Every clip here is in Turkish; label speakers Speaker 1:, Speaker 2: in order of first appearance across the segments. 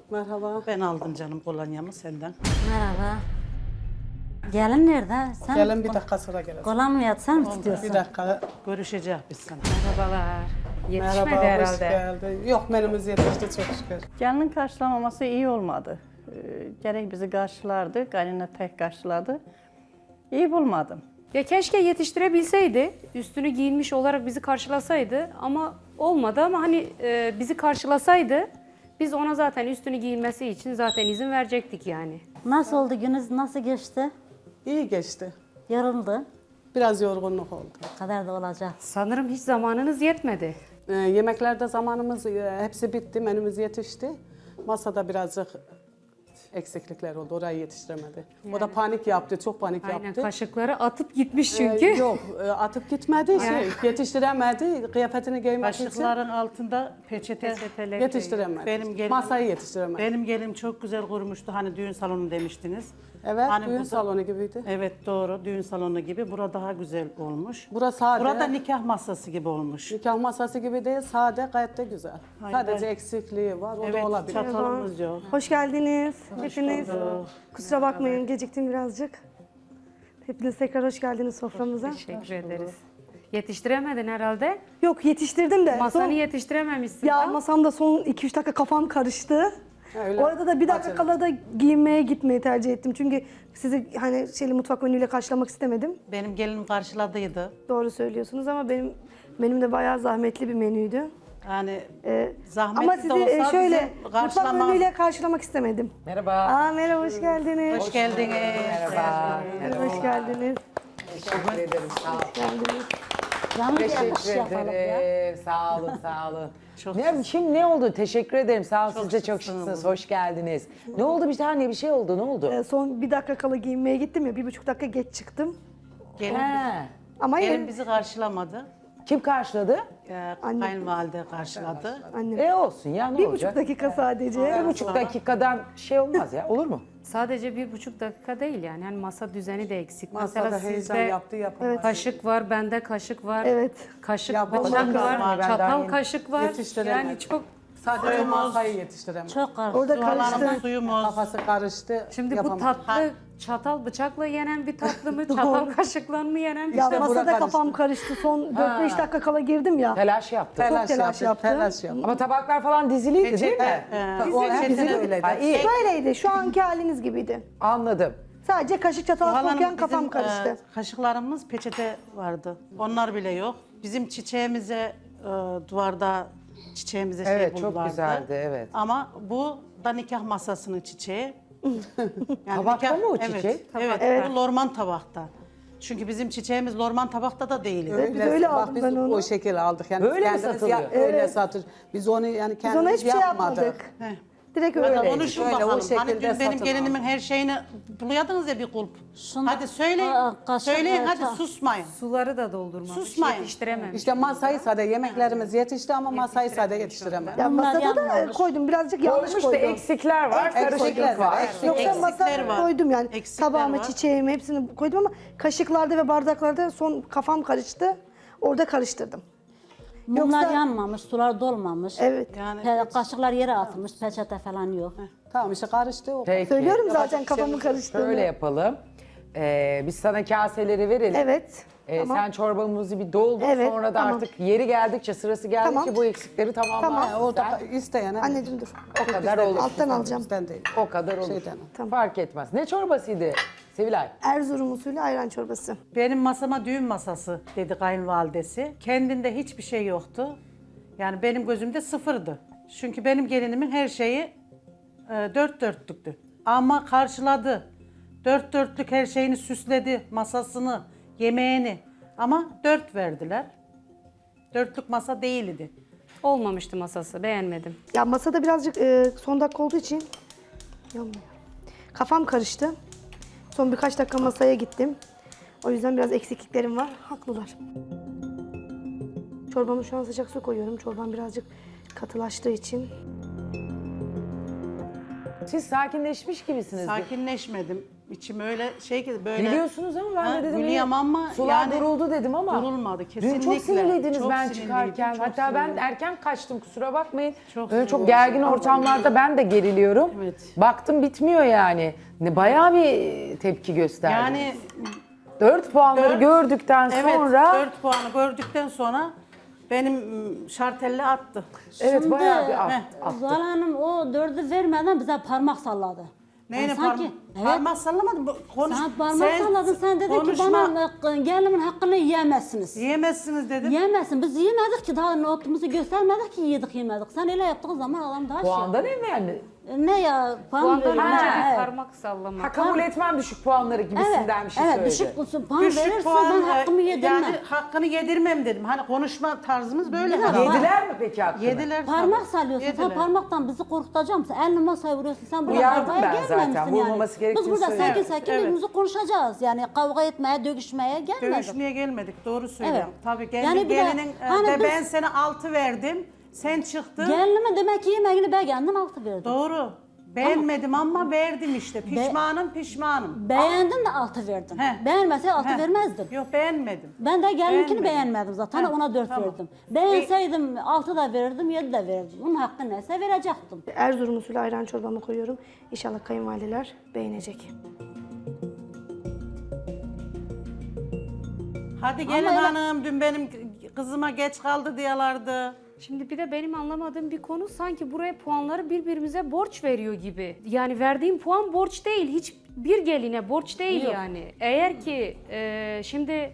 Speaker 1: Merhaba.
Speaker 2: Ben aldım canım kolonyamı senden.
Speaker 3: Merhaba. Gelin nerede? Sen
Speaker 1: Gelin bir dakika sonra geleceğiz.
Speaker 3: kola mı yat? Sen mi tutuyorsun?
Speaker 1: Bir dakika.
Speaker 2: Görüşeceğiz biz sana.
Speaker 4: Merhabalar. Yetişmedi
Speaker 1: Merhaba, hoş
Speaker 4: herhalde.
Speaker 1: geldin. Yok, menümüz yetişti çok şükür.
Speaker 5: Gelinin karşılamaması iyi olmadı. Gerek bizi karşılardı, kaynana tek karşıladı. İyi bulmadım.
Speaker 4: Ya keşke yetiştirebilseydi, üstünü giyinmiş olarak bizi karşılasaydı ama olmadı ama hani bizi karşılasaydı biz ona zaten üstünü giyinmesi için zaten izin verecektik yani.
Speaker 3: Nasıl oldu gününüz? Nasıl geçti?
Speaker 1: İyi geçti.
Speaker 3: Yoruldu.
Speaker 1: Biraz yorgunluk oldu.
Speaker 3: Bu kadar da olacak.
Speaker 4: Sanırım hiç zamanınız yetmedi.
Speaker 1: Yemeklerde zamanımız hepsi bitti, menümüz yetişti. Masada birazcık eksiklikler oldu, orayı yetiştiremedi. O da panik yaptı, çok panik
Speaker 4: Aynen
Speaker 1: yaptı.
Speaker 4: kaşıkları atıp gitmiş çünkü.
Speaker 1: Yok, atıp gitmedi, yetiştiremedi. Kıyafetini giymek için
Speaker 2: Kaşıkların altında peçete
Speaker 1: yetiştiremedi. Masayı yetiştiremedi.
Speaker 2: Benim gelinim çok güzel kurmuştu. Hani düğün salonu demiştiniz.
Speaker 1: Evet,
Speaker 2: Hani
Speaker 1: düğün
Speaker 2: bu da-
Speaker 1: salonu gibiydi.
Speaker 2: Evet doğru, düğün salonu gibi. Bura daha güzel olmuş.
Speaker 1: Burası sade.
Speaker 2: Burada nikah masası gibi olmuş.
Speaker 1: Nikah masası gibi değil, sade, gayet de güzel.
Speaker 2: Aynen.
Speaker 1: Sadece eksikliği var, o da
Speaker 2: Evet,
Speaker 1: olabilir.
Speaker 2: çatalımız yok.
Speaker 6: Hoş geldiniz hepiniz. Kusura bakmayın geciktim birazcık. Hepiniz tekrar hoş geldiniz soframıza.
Speaker 4: Teşekkür ederiz. Yetiştiremedin herhalde.
Speaker 6: Yok yetiştirdim de.
Speaker 4: Masanı yetiştirememişsin.
Speaker 6: Ya
Speaker 4: Ha?
Speaker 6: masamda son 2-3 dakika kafam karıştı.
Speaker 1: Öyle.
Speaker 6: Orada da bir dakika
Speaker 1: Acele.
Speaker 6: kala da giyinmeye gitmeyi tercih ettim. Çünkü sizi hani mutfak menüyle karşılamak istemedim.
Speaker 2: Benim gelinim karşıladıydı.
Speaker 6: Doğru söylüyorsunuz ama benim de bayağı zahmetli bir menüydü.
Speaker 2: Yani
Speaker 6: Ama
Speaker 2: zahmetli
Speaker 6: sizi
Speaker 2: de olsa
Speaker 6: şöyle
Speaker 2: bizim
Speaker 6: mutfak
Speaker 2: karşılama...
Speaker 6: menüyle karşılamak istemedim.
Speaker 7: Merhaba.
Speaker 6: Merhaba hoş geldiniz.
Speaker 2: Hoş geldiniz.
Speaker 7: Merhaba.
Speaker 6: Hoş geldiniz.
Speaker 7: Teşekkür ederim. Sağ olun.
Speaker 6: Geldiniz.
Speaker 3: Canım bir iş
Speaker 7: Teşekkür
Speaker 3: yapalım ya.
Speaker 7: ederim. Sağ olun, sağ olun.
Speaker 2: Çok
Speaker 7: Şimdi ne oldu? Teşekkür ederim. Sağ olun. Siz de çok
Speaker 2: şıksınız.
Speaker 7: şıksınız. Hoş geldiniz. Ne oldu? Bir tane bir şey oldu. Ne oldu?
Speaker 6: Son bir dakika kala giyinmeye gittim ya, 1,5 dakika geç çıktım.
Speaker 2: Gelin,
Speaker 7: He.
Speaker 6: Ama
Speaker 2: gelin
Speaker 6: yine
Speaker 2: bizi karşılamadı.
Speaker 7: Kim karşıladı?
Speaker 6: Anne.
Speaker 2: Kayınvalide karşıladı.
Speaker 6: annem.
Speaker 7: Olsun ya, ne
Speaker 6: 1,5
Speaker 7: olacak?
Speaker 6: dakika sadece.
Speaker 7: 1,5 dakikadan şey olmaz ya. Olur mu?
Speaker 4: Sadece 1,5 dakika değil yani. Hani masa düzeni de eksik.
Speaker 1: Masada
Speaker 4: Mesela
Speaker 1: heyecan
Speaker 4: sizde
Speaker 1: yaptı, yapamadı.
Speaker 4: kaşık var, bende kaşık var.
Speaker 6: Evet.
Speaker 4: Kaşık,
Speaker 1: Yapamadım
Speaker 4: bıçak
Speaker 1: galiba,
Speaker 4: var,
Speaker 7: ben daha
Speaker 4: çatal
Speaker 7: yeni
Speaker 4: kaşık var.
Speaker 1: yetiştiremedim.
Speaker 4: Yani çok...
Speaker 1: Sadece masayı yetiştiremedi.
Speaker 3: Çok karıştı.
Speaker 6: Orada karıştı.
Speaker 2: Sularımız, suyumuz.
Speaker 1: Kafası karıştı,
Speaker 4: Şimdi bu
Speaker 1: yapamadı.
Speaker 4: tatlı çatal bıçakla yenen bir tatlı mı, çatal kaşıkla mı yenen bir
Speaker 6: Ya
Speaker 1: İşte bura
Speaker 6: masada
Speaker 1: karıştı.
Speaker 6: kafam karıştı. Son 4-5 dakika kala girdim ya.
Speaker 7: Telaş yaptı.
Speaker 1: Telaş
Speaker 6: telaş
Speaker 1: yaptı,
Speaker 6: yaptı.
Speaker 1: telaş yaptı.
Speaker 7: Ama tabaklar falan diziliydi değil mi?
Speaker 1: O hepsi öyleydi.
Speaker 7: Ha, iyi.
Speaker 6: Böyleydi. Şu anki haliniz gibiydi.
Speaker 7: Anladım.
Speaker 6: Sadece kaşık çatal
Speaker 2: Zuhal
Speaker 6: koyarken
Speaker 2: Hanım,
Speaker 6: kafam
Speaker 2: bizim,
Speaker 6: karıştı.
Speaker 2: kaşıklarımız peçete vardı. Onlar bile yok. Bizim çiçeğimize duvarda çiçeğimize şey
Speaker 7: Evet,
Speaker 2: buldular.
Speaker 7: çok güzeldi, evet.
Speaker 2: Ama bu da nikah masasının çiçeği. Yani
Speaker 7: Tabakta mı o
Speaker 2: evet,
Speaker 7: çiçek?
Speaker 2: Evet, bu lorman tabakta. Çünkü bizim çiçeğimiz lorman tabakta da değil.
Speaker 6: biz öyle
Speaker 1: bak,
Speaker 6: aldık
Speaker 1: biz
Speaker 6: ben onu.
Speaker 1: o şekil aldık. Yani
Speaker 7: Böyle mi
Speaker 1: kendimiz
Speaker 7: satılıyor?
Speaker 1: Öyle satır. Biz onu yani
Speaker 6: Biz ona
Speaker 1: kendimiz
Speaker 6: hiçbir şey
Speaker 1: yapmadık.
Speaker 6: yapmadık.
Speaker 2: Heh.
Speaker 6: Direkt
Speaker 2: Hadi
Speaker 6: öyle.
Speaker 2: konuşun
Speaker 1: Öyle, o
Speaker 2: bakalım. Hani
Speaker 1: şekilde
Speaker 2: dün benim
Speaker 1: satın
Speaker 2: gelinimin her şeyini buluyordunuz ya bir kulp.
Speaker 3: Şunu-
Speaker 2: Hadi söyleyin.
Speaker 3: Kaşık,
Speaker 2: Söyleyin hadi
Speaker 3: ta-
Speaker 2: susmayın.
Speaker 4: Suları da doldurmamış,
Speaker 2: Susmayın.
Speaker 4: yetiştirememiş.
Speaker 1: İşte masayı sade, yemeklerimiz yetişti ama masayı sade yetiştiremedi.
Speaker 6: Ya
Speaker 3: Bunlar
Speaker 6: masada da
Speaker 3: yanmamış.
Speaker 6: koydum. Birazcık yanlış
Speaker 7: Olmuş da
Speaker 6: koydum.
Speaker 7: eksikler var,
Speaker 1: Eksikler
Speaker 7: karışıklık
Speaker 1: var,
Speaker 7: var.
Speaker 1: eksik.
Speaker 6: Yoksa
Speaker 2: Eksikler
Speaker 6: masaya
Speaker 2: var.
Speaker 6: koydum yani.
Speaker 2: Eksikler
Speaker 6: Tabağımı,
Speaker 2: var.
Speaker 6: çiçeğimi hepsini koydum ama kaşıklarda ve bardaklarda son kafam karıştı. Orada karıştırdım.
Speaker 3: Mumlar
Speaker 6: Yoksa-
Speaker 3: yanmamış, sular dolmamış.
Speaker 6: Evet.
Speaker 2: Yani
Speaker 3: Kaşıklar yere atılmış, peçete falan yok.
Speaker 1: Tamam işte karıştı o.
Speaker 7: Peki.
Speaker 6: Söylüyorum zaten kafamı karıştığını.
Speaker 7: Şöyle yapalım. Biz sana kaseleri verelim.
Speaker 6: Evet. Tamam.
Speaker 7: Sen çorbamızı bir doldur.
Speaker 6: Evet,
Speaker 7: Sonra da
Speaker 6: tamam.
Speaker 7: artık yeri geldikçe, sırası geldikçe
Speaker 6: Tamam.
Speaker 7: bu eksikleri tamamlar.
Speaker 6: Tamam.
Speaker 1: Ha, o da isteyen. ha.
Speaker 6: Anneciğim dur.
Speaker 7: O kadar olur.
Speaker 6: Alttan alacağım.
Speaker 1: Bizden değil.
Speaker 7: O kadar olur.
Speaker 1: Şeyden.
Speaker 6: Tamam.
Speaker 7: Fark etmez. Ne çorbasıydı Sevilay?
Speaker 6: Erzurum usulü ayran çorbası.
Speaker 2: benim masama düğün masası dedi kayınvalidesi. Kendinde hiçbir şey yoktu. Yani benim gözümde sıfırdı. Çünkü benim gelinimin her şeyi dört dörtlüktü. Ama karşıladı. Dört dörtlük her şeyini süsledi. Masasını, yemeğini. Ama 4 verdiler. Dörtlük masa değildi.
Speaker 4: Olmamıştı masası, beğenmedim.
Speaker 6: Ya masada birazcık son dakika olduğu için yanmıyor. Kafam karıştı. Son birkaç dakika masaya gittim. O yüzden biraz eksikliklerim var. Haklılar. Çorbamı şu an sıcak su koyuyorum. Çorbam birazcık katılaştığı için.
Speaker 7: Siz sakinleşmiş gibisiniz.
Speaker 2: Sakinleşmedim. İçim öyle şey ki böyle.
Speaker 7: Biliyorsunuz ama ben de dedim
Speaker 2: Gülüyorum ama
Speaker 7: sular
Speaker 2: yani
Speaker 7: duruldu dedim ama.
Speaker 2: durulmadı
Speaker 7: Dün
Speaker 2: kesinlikle.
Speaker 7: çok sinirliydiniz
Speaker 2: Çok
Speaker 7: ben
Speaker 2: sinirliydim,
Speaker 7: çıkarken.
Speaker 2: çok
Speaker 7: Hatta ben
Speaker 2: sinirliydim.
Speaker 7: erken kaçtım kusura bakmayın.
Speaker 2: Çok
Speaker 7: Böyle çok
Speaker 2: sinirliydim.
Speaker 7: gergin ortamlarda ben de geriliyorum.
Speaker 2: Evet.
Speaker 7: Baktım bitmiyor yani. Bayağı bir tepki gösterdi.
Speaker 2: Yani
Speaker 7: 4 puanları gördükten
Speaker 2: evet,
Speaker 7: sonra
Speaker 2: 4 puanı gördükten sonra benim şartelle attı.
Speaker 7: evet
Speaker 3: Şimdi,
Speaker 7: bayağı bir attı.
Speaker 3: Zuhal Hanım o 4'ü vermeden bize parmak salladı.
Speaker 2: Neyine
Speaker 3: Yani sanki,
Speaker 2: parmak sallamadın? Konuş.
Speaker 3: Sen parmak salladın, sen dedin ki bana gelinimin hakkını yiyemezsiniz.
Speaker 2: Yiyemezsiniz dedim.
Speaker 3: Yiyemezsin. Biz yemedik ki daha notumuzu göstermedik ki yemedik. Sen öyle yaptığın zaman adam daha
Speaker 7: Puandan evvel
Speaker 3: Ne ya? Puan
Speaker 4: Puandan
Speaker 3: veriyor.
Speaker 4: önce
Speaker 3: Evet.
Speaker 4: parmak sallamak.
Speaker 7: ha, kabul etmem düşük puanları gibisinden bir şey söyledi.
Speaker 3: düşük puan
Speaker 2: Düşük
Speaker 3: verirse
Speaker 2: puan,
Speaker 3: ben hakkımı yedirmem.
Speaker 2: yani hakkını yedirmem dedim. Hani konuşma tarzımız böyle.
Speaker 3: Bir de
Speaker 2: herhalde.
Speaker 7: Yediler mi peki hakkını?
Speaker 2: Yediler.
Speaker 3: Parmak
Speaker 2: tabii.
Speaker 3: sallıyorsun.
Speaker 2: Yediler.
Speaker 3: Sen parmaktan bizi korkutacak mısın? Elini masaya vuruyorsun. Sen burada
Speaker 7: Uyardım
Speaker 3: kavgaya
Speaker 7: ben zaten,
Speaker 3: gelmemişsin
Speaker 7: vurmaması
Speaker 3: yani.
Speaker 7: gerektiğini
Speaker 3: Biz burada
Speaker 7: söyledim.
Speaker 3: sakin sakin
Speaker 2: Evet.
Speaker 3: birbirimizi konuşacağız. Yani kavga etmeye, dövüşmeye gelmedik.
Speaker 2: Dövüşmeye gelmedik. Doğru söylüyorum.
Speaker 3: Evet.
Speaker 2: Tabii
Speaker 3: Yani bir de
Speaker 2: gelinin
Speaker 3: hani
Speaker 2: de
Speaker 3: biz-
Speaker 2: ben sana 6 verdim. Sen çıktın.
Speaker 3: Gelinime demek ki yemeğini beğendim, altı verdim.
Speaker 2: Doğru. Beğenmedim ama verdim işte. Pişmanım.
Speaker 3: Beğendin de altı verdin.
Speaker 2: He.
Speaker 3: Beğenmese altı
Speaker 2: He.
Speaker 3: vermezdin.
Speaker 2: Yok beğenmedim.
Speaker 3: Ben de gelininkini
Speaker 2: Beğenmedim.
Speaker 3: beğenmedim zaten.
Speaker 2: He,
Speaker 3: Ona 4
Speaker 2: tamam.
Speaker 3: verdim. Beğenseydim 6 da verirdim, 7 de verirdim. Onun hakkı neyse verecektim.
Speaker 6: Erzurum usulü ayran çorbamı koyuyorum. İnşallah kayınvalideler beğenecek.
Speaker 2: Hadi gelin
Speaker 3: öyle-
Speaker 2: hanım. Dün benim kızıma geç kaldı diyorlardı.
Speaker 4: Şimdi bir de benim anlamadığım bir konu sanki buraya puanları birbirimize borç veriyor gibi. Yani verdiğim puan borç değil. Hiçbir geline borç değil yani. Eğer ki şimdi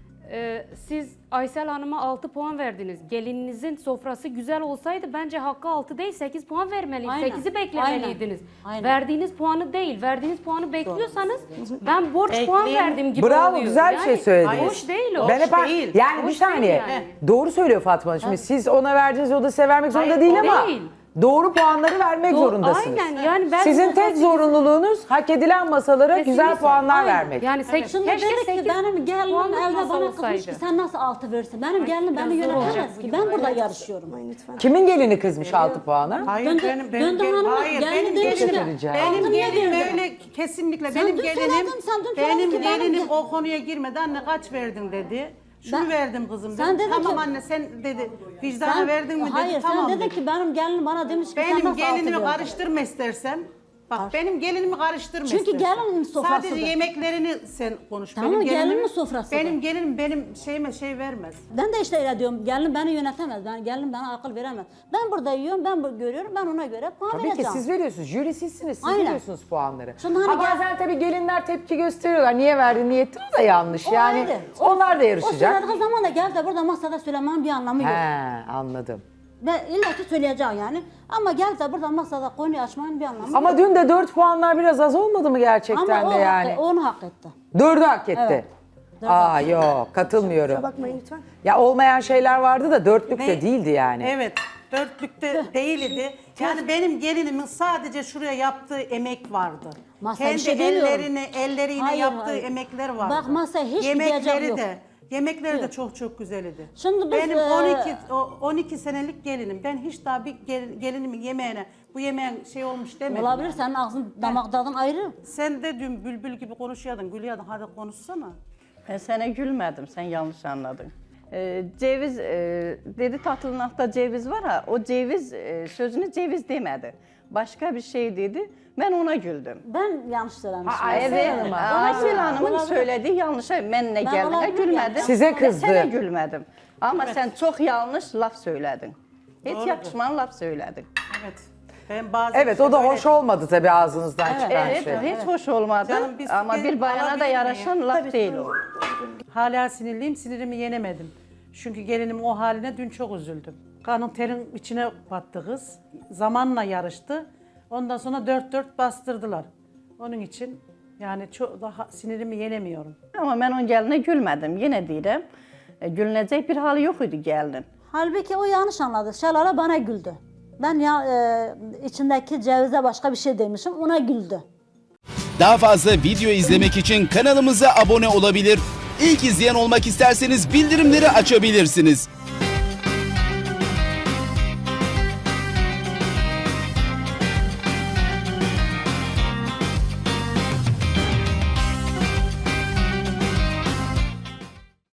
Speaker 4: siz Aysel Hanım'a 6 puan verdiniz. Gelininizin sofrası güzel olsaydı bence hakkı 6 değil 8 puan vermeliydiniz.
Speaker 3: Aynen.
Speaker 4: 8'i beklemeliydiniz.
Speaker 3: Aynen.
Speaker 4: Verdiğiniz puanı değil. Verdiğiniz puanı bekliyorsanız ben borç puan
Speaker 2: Ekleyin.
Speaker 4: verdim gibi
Speaker 7: Bravo,
Speaker 4: oluyor.
Speaker 7: güzel bir şey söylediniz.
Speaker 4: Hoş değil o.
Speaker 7: Ben hep
Speaker 2: değil.
Speaker 7: yani bir
Speaker 4: Hoş değil
Speaker 7: saniye.
Speaker 4: yani.
Speaker 7: Doğru söylüyor Fatma Hanım. Şimdi siz ona verdiğiniz o da size vermek zorunda
Speaker 4: Hayır,
Speaker 7: değil
Speaker 4: o
Speaker 7: ama
Speaker 4: değil.
Speaker 7: doğru puanları vermek zorundasınız.
Speaker 4: Aynen yani ben
Speaker 7: Sizin tek
Speaker 4: sofrası-
Speaker 7: zorunluluğunuz hak edilen masalara güzel
Speaker 4: Kesinlikle.
Speaker 7: puanlar
Speaker 4: Aynen.
Speaker 7: vermek.
Speaker 4: Yani
Speaker 3: Şimdi
Speaker 4: keşke
Speaker 3: dedik ki
Speaker 4: 8
Speaker 3: benim gelinim
Speaker 4: puanlık
Speaker 3: evde
Speaker 4: masa
Speaker 3: bana kızmış
Speaker 4: olsaydı.
Speaker 3: ki sen nasıl 6 verirsin? Benim gelinim beni
Speaker 4: biraz zor olacak
Speaker 3: yönetemez
Speaker 4: bu
Speaker 3: ki.
Speaker 4: gibi.
Speaker 3: Ben burada yarışıyorum.
Speaker 6: Aman lütfen.
Speaker 7: Kimin gelini kızmış 6 puana?
Speaker 2: Hayır
Speaker 3: Döndü-
Speaker 2: benim
Speaker 3: döndü hanıma,
Speaker 2: hayır
Speaker 3: geldi
Speaker 2: benim
Speaker 3: demiş ki,
Speaker 2: gelinim
Speaker 7: söyleyeceğim.
Speaker 2: benim
Speaker 3: altını
Speaker 2: gelinim
Speaker 3: verdi.
Speaker 2: öyle kesinlikle
Speaker 3: Sen
Speaker 2: benim
Speaker 3: dün
Speaker 2: gelinim
Speaker 3: söyledin, sen dün
Speaker 2: benim
Speaker 3: söyledin ki benim
Speaker 2: gelinim
Speaker 3: gel-
Speaker 2: o konuya girmedi anne kaç verdin dedi. Şunu
Speaker 3: Ben-
Speaker 2: verdim kızım
Speaker 3: Sen
Speaker 2: dedim.
Speaker 3: dedin
Speaker 2: Tamam
Speaker 3: ki-
Speaker 2: anne sen dedi vicdana verdin mi dedi.
Speaker 3: Hayır
Speaker 2: Tamam
Speaker 3: sen dedin
Speaker 2: dedi.
Speaker 3: ki benim gelinim bana demiş ki sen
Speaker 2: Benim
Speaker 3: nasıl
Speaker 2: gelinimi
Speaker 3: 6 verdin?
Speaker 2: karıştırma istersen. Bak benim gelinimi karıştırma
Speaker 3: Çünkü
Speaker 2: istersen.
Speaker 3: gelinin sofrasıdır.
Speaker 2: Sadece yemeklerini sen konuş.
Speaker 3: Tamam,
Speaker 2: benim
Speaker 3: gelinin
Speaker 2: gelinim,
Speaker 3: sofrasıdır.
Speaker 2: Benim gelinim benim şeyime şey vermez.
Speaker 3: Ben de işte öyle diyorum. Gelinim beni yönetemez. Gelinim bana akıl veremez. Ben burada yiyorum, ben burada görüyorum. Ben ona göre puan
Speaker 7: Tabii ki
Speaker 3: vereceğim.
Speaker 7: siz veriyorsunuz. Jüri sizsiniz. Siz
Speaker 3: Aynen.
Speaker 7: veriyorsunuz puanları.
Speaker 3: Şimdi hani
Speaker 7: Ha
Speaker 3: gel-
Speaker 7: bazen tabii gelinler tepki gösteriyorlar. Niye verdin, niye ettin? O da yanlış.
Speaker 3: O
Speaker 7: yani
Speaker 3: ayrı.
Speaker 7: onlar da
Speaker 3: O
Speaker 7: yarışacak.
Speaker 3: söylediği zaman da gel de burada masada söylemenin bir anlamı yok.
Speaker 7: He, anladım.
Speaker 3: Ve illa ki söyleyeceğim yani. Ama gel de burada masada konuyu açmanın bir anlamı
Speaker 7: Ama
Speaker 3: yok.
Speaker 7: dün de 4 puanlar biraz az olmadı mı gerçekten
Speaker 3: Ama
Speaker 7: de yani?
Speaker 3: onu hak etti.
Speaker 7: 4'ü hak etti.
Speaker 3: Evet.
Speaker 7: Aa yok katılmıyorum.
Speaker 6: Bakmayın lütfen.
Speaker 7: Ya olmayan şeyler vardı da 4'lük de
Speaker 2: Ne?
Speaker 7: değildi yani.
Speaker 2: Evet. Dörtlükte değildi. Yani benim gelinimin sadece şuraya yaptığı emek vardı.
Speaker 3: Masaya
Speaker 2: Kendi
Speaker 3: bir şey demiyorum.
Speaker 2: elleriyle
Speaker 3: Hayır,
Speaker 2: yaptığı
Speaker 3: hayır.
Speaker 2: emekler vardı.
Speaker 3: Bak masaya hiç
Speaker 2: Yemekleri
Speaker 3: gidecek yok.
Speaker 2: de. Yemekleri de çok güzeldi.
Speaker 3: Şimdi biz,
Speaker 2: benim 12 senelik gelinim. Ben hiç daha bir gelinimin yemeğine bu yemeğin şey olmuş demedim.
Speaker 3: Olabilir senin ağzın damak tadın ayrı.
Speaker 2: Sen de dün bülbül gibi konuşuyordun, gülüyordun. Hadi konuşsana.
Speaker 5: Ben sana gülmedim, sen yanlış anladın. Ceviz, dedi tatlınaxta ceviz var ha, o ceviz sözünü ceviz demedi. Başka bir şey dedi, ben ona güldüm.
Speaker 3: Ben yanlış söylemişim.
Speaker 7: Ha, Aysel
Speaker 5: Evet,
Speaker 7: Hanım'a.
Speaker 5: Aysel Hanım'ın
Speaker 3: Olabilir.
Speaker 5: söylediği yanlışa ben ne geldine
Speaker 3: olabilir
Speaker 5: gülmedim.
Speaker 3: yani.
Speaker 7: Size kızdı.
Speaker 5: Ben sana gülmedim. Ama sen çok yanlış laf söyledin. Hiç yakışmayan laf söyledin.
Speaker 2: Evet. Ben bazen
Speaker 7: Evet
Speaker 2: işte
Speaker 7: o da
Speaker 2: böyle-
Speaker 7: hoş olmadı tabii ağzınızdan çıkan
Speaker 5: Evet,
Speaker 7: şey.
Speaker 5: hiç hoş olmadı.
Speaker 2: Canım, biz
Speaker 5: Ama
Speaker 2: gelip
Speaker 5: bir bayana da
Speaker 2: alabilir
Speaker 5: yaraşan
Speaker 2: miyim?
Speaker 5: laf değil o.
Speaker 2: Hala sinirliyim, sinirimi yenemedim. Çünkü gelinimin o haline dün çok üzüldüm. Kanın terin içine battı kız. Zamanla yarıştı. Ondan sonra 4-4 bastırdılar. Onun için yani çok daha sinirimi yenemiyorum.
Speaker 5: Ama ben onun geline gülmedim. Yine deyirəm, gülünecek bir hali yok idi gelinin.
Speaker 3: Halbuki o yanlış anladı. Şelale bana güldü. Ben ya içindeki cevize başka bir şey demişim, ona güldü.
Speaker 8: Daha fazla video izlemek için kanalımıza abone olabilir. İlk izleyen olmak isterseniz bildirimleri açabilirsiniz.